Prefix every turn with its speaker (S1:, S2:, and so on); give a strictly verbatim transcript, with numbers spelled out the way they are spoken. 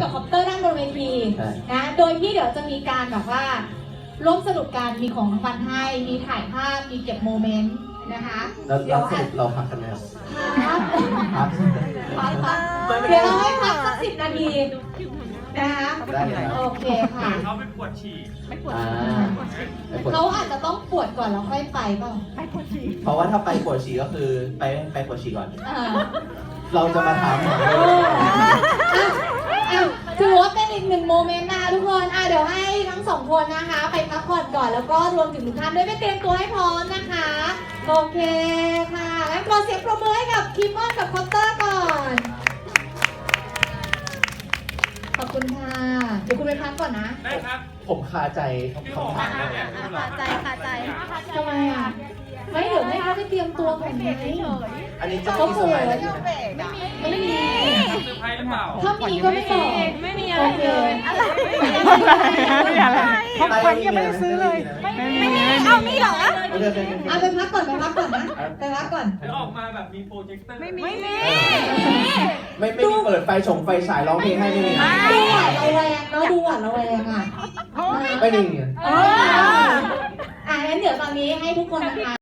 S1: กับคอปเตอร์ด้านบนเวทีนะโดยที่เดี๋ยวจะมีการแบบว่าร่วมสนุกกันมีของรางวัลให้มีถ่ายภาพมีเก็บโมเมนต์นะคะ
S2: แล้วเราสรุปเราพักกันไหมครับ
S1: พัก
S2: พัก
S1: พักพักเดี๋ยวเราให้พักสักสิบนาทีนะคะ
S2: ได้เลยครับ
S1: โอเคค่ะ
S3: เขาไปปวดฉี่
S2: อ่าไปปวด
S1: เขาอาจจะต้องปวดก่อนแล้วค่อยไปเปล่า
S2: เพราะว่าถ้าไปปวดฉี่ก็คือไปไปปวดฉี่ก่อน
S1: อ่า
S2: เราจะมาถามหา
S1: อ่ะอ่ะถือว่าเป็นอีกหนึ่งโมเมนต์นะทุกคนอ่ะเดี๋ยวให้ทั้งสองคนนะคะ ไปพักผ่อนก่อนแล้วก็รวมถึงทุกท่านด้วยไปเตรียมตัวให้พร้อมนะคะโอเคค่ะงั้นขอเสียงปรบมือให้กับคิมมอนกับคอปเตอร์ก่อนขอบคุณค่ะเดี๋ยวคุณไปพักก่อนนะ
S3: ได้ครับ
S2: ผมคาใจคำถาม
S3: เนี่ย
S4: คาใจคาใจ
S1: ทำไมอ่ะไม่เดี๋ยวให้เขาไปเตรียมตัวก่อนไง
S2: อันนี้จะมีสมัยอะไรไหม
S1: ไม่มี
S3: เซอร์ไพรส์หรือเปล่า
S1: ถ้ามีก็ไม่บอก
S4: ไม่มีอะไรเลยอะไร
S2: ไม่มีอะไรของขวัญยังไม่ได้ซื้อเลย
S4: ไม่มีเอามีเหรอ
S2: โอเคโอเคโอเค
S1: เอาไปพักก่อนไปพักก่อนนะไปพักก่อน
S3: แล้วออกมาแบบมีโปรเจคเตอร์
S4: ไม่มี
S2: ไม่ไม่มีเปิดไฟฉงไฟฉายร้องเพลงให้ไม่มี
S1: ดูหวานระแวงเนาะดูหวานระแวงอ่ะ
S2: ไม่มี
S1: อ่างั้นเดี๋ยวตอนนี้ให้ทุกคนนะคะ